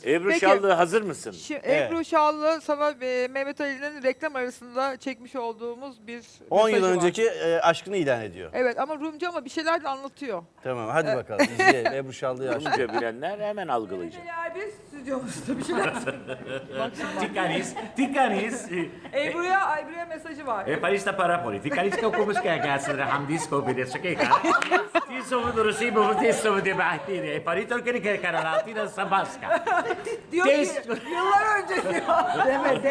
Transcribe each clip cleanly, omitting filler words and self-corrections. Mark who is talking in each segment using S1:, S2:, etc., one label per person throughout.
S1: Ebru
S2: Peki.
S1: Şallı hazır mısın?
S2: Ebru Şallı sana Mehmet Ali'nin reklam arasında çekmiş olduğumuz bir
S3: 10 yıl
S2: mesajı var.
S3: önceki aşkını ilan ediyor.
S2: Evet ama Rumca ama bir şeyler de anlatıyor.
S3: Tamam hadi bakalım izleyelim. Ebru Şallı'yı aşkı.
S1: Rumca bilenler hemen algılayacak.
S2: Neler biz stüdyomuzda bir şeyler Bak şimdi.
S4: Tikanis.
S2: Ebru'ya mesajı var.
S4: Parista para poli. Tikanis ka kumus kaya gasar hamdis ko bilis okay ka. Ti somu durusi bu ti somu de bahti. Parito kini kaya karalati na sabaska.
S2: Diyor ki
S4: Test-
S2: yıllar önce diyor.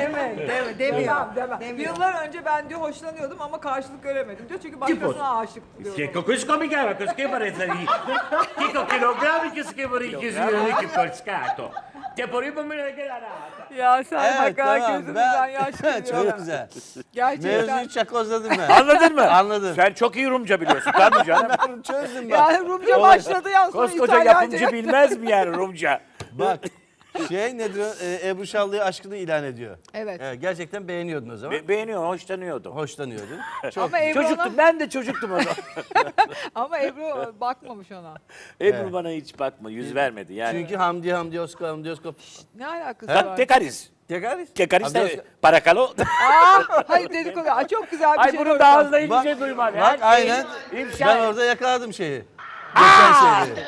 S2: Deme. Yıllar önce ben diyor hoşlanıyordum ama karşılık göremedim diyor. Çünkü başkasına aşık diyor.
S4: Che kusko mi chiama cosché parezza di. Kiko kilogrammi che schivori chiusuri che col scatto. Che poi mi ne queda.
S2: Ya sen
S3: Evet
S2: hakikaten
S3: tamam.
S2: gözümüzden yaş geliyor.
S3: Çok güzel.
S2: Gerçekten.
S3: Mevzuyu çakozladım ben.
S1: Anladın mı?
S3: Anladım.
S1: Sen çok iyi Rumca biliyorsun. Tabii canım.
S3: Çözdüm bak.
S2: Yani Rumca
S3: Olay.
S2: başladı ya sonra
S1: Koskoca
S2: İtalyanca.
S1: yapımcı bilmez mi yani Rumca?
S3: Bak nedir o? Ebru Şallı'ya aşkını ilan ediyor.
S2: Evet.
S3: Gerçekten beğeniyordun o zaman.
S1: Beğeniyorum, hoşlanıyordum.
S3: Hoşlanıyordun.
S2: Ama Ebru,
S1: Çocuktum, ben de çocuktum o zaman.
S2: ama Ebru bakmamış ona.
S1: Ebru bana hiç bakma, yüz vermedi yani.
S3: Çünkü Hamdi Oskop.
S2: Ne alakası
S3: Ha?
S2: var?
S1: Tekariz.
S3: Tekrar.
S1: Tekariz de parakalo.
S2: Hayır dedikodu. Aa, çok güzel bir
S1: Ay
S2: şey.
S1: bunu
S2: gördüm.
S1: daha hızlı hiçbir
S3: Bak-
S1: şey duymadı.
S3: Bak
S1: Her şeyi
S3: aynen.
S1: ifşa
S3: Ben
S1: et.
S3: orada yakaladım şeyi. Geçen şeyi.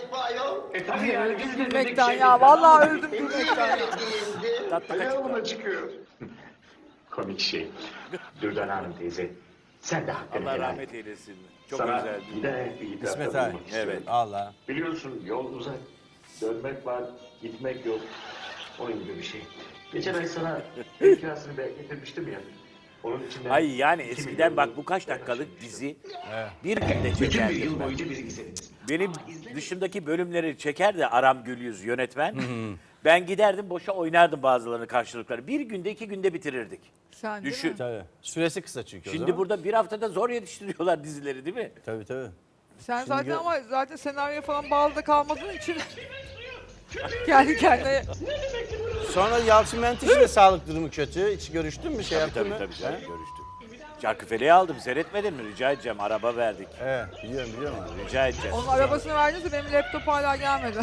S2: Öldüm gülmekten ya. Vallahi öldüm gülmekten ya.
S1: Tatlı kaçık.
S5: Yoluna çıkıyor.
S4: Komik şey. Dürdan Hanım teyze. Sen de hakkını
S1: Allah
S4: helal et.
S1: rahmet eylesin. Çok
S4: Sana
S1: güzeldi.
S4: giden bir itirafta
S3: İsmet abi.
S4: bulunmak istiyorum.
S1: Evet.
S3: Allah.
S4: Biliyorsun yol uzak. Dönmek var, gitmek yok. Onun gibi bir şey. Geçen ay sana ev kirasını getirmiştim ya. Onun içinden...
S1: Ay yani
S4: 2
S1: eskiden
S4: milyon
S1: bak bu
S4: euro
S1: kaç dakikalık dizi bir günde
S4: Bütün bir
S1: çekerdi.
S4: yıl boyunca bizi izlediniz.
S1: Benim dışımdaki bölümleri çekerdi Aram Gülyüz yönetmen. Ben giderdim boşa oynardım bazılarını karşılıkları. Bir günde 2 günde bitirirdik.
S2: Sen değil
S1: Düşün.
S2: mi?
S3: Tabii. Süresi kısa çünkü o
S1: Şimdi
S3: zaman.
S1: burada bir haftada zor yetiştiriyorlar dizileri değil mi?
S3: Tabii tabii.
S2: Sen zaten ama zaten senaryo falan bağlı da kalmadığın için kendi kendine
S3: Sonra Yalçın Menteş'in de sağlık durumu kötü. Hiç görüştün mü? Şey
S1: Tabii
S3: yaptın
S1: tabii
S3: mı?
S1: tabii,
S3: He?
S1: görüştük. Şarkıfele'yi aldım seyretmedin mi? Rica edeceğim araba verdik.
S3: Evet biliyorum.
S1: Rica edeceğiz.
S2: onun arabasını verdiyse benim laptop hala gelmedi.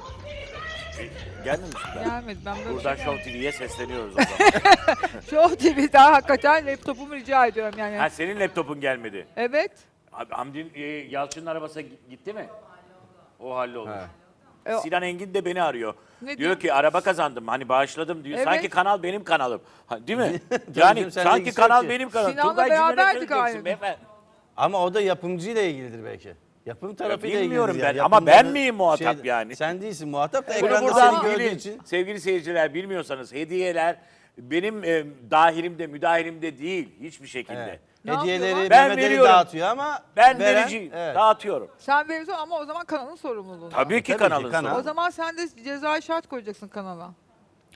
S1: Gelmemiş mi?
S2: Gelmedi. Ben böyle
S1: Buradan
S2: bir şey
S1: Show TV'ye sesleniyoruz o zaman.
S2: Show TV'den hakikaten laptopumu rica ediyorum yani.
S1: Ha senin laptopun gelmedi.
S2: Evet.
S1: Abi Hamdi'nin Yalçın'ın arabası gitti mi? O hallolmuş.
S2: E,
S1: Sinan Engin de beni arıyor.
S2: Ne
S1: diyor
S2: diyor?
S1: ki araba kazandım hani bağışladım diyor.
S2: Evet.
S1: Sanki kanal benim kanalım. Ha, değil mi?
S3: canım,
S1: yani
S3: seninle
S1: sanki
S3: ilgisi yok
S1: kanal
S3: ki.
S1: benim kanalım.
S2: Sinan'la
S1: Turgay Cimer'e
S2: beraberdik
S1: söyleyeceksin
S2: aynı.
S1: beyefendi.
S3: Ama o da yapımcıyla ilgilidir belki. Yapım tarafıyla
S1: bilmiyorum
S3: ilgilidir.
S1: ben
S3: yani.
S1: ama ben
S3: Yapımcının
S1: miyim muhatap yani?
S3: Sen değilsin muhatap da
S1: Bunu
S3: ekranda
S1: buradan
S3: seni gördüğü
S1: bilin.
S3: için.
S1: Sevgili seyirciler bilmiyorsanız hediyeler benim dahilimde, müdahilimde değil hiçbir şekilde.
S3: Evet.
S2: Ne
S3: Hediyeleri
S2: yapıyorlar?
S1: Ben
S3: Mehmet Ali
S1: veriyorum.
S3: dağıtıyor ama
S1: Ben
S3: veren-
S1: vericiyim,
S3: Evet.
S1: dağıtıyorum.
S2: Sen veriyorsun ama o zaman kanalın sorumluluğu.
S1: Tabii ki
S3: Tabii ki
S1: kanalın
S3: kanal.
S1: sorumlu.
S2: O zaman sen de cezai şart koyacaksın kanala.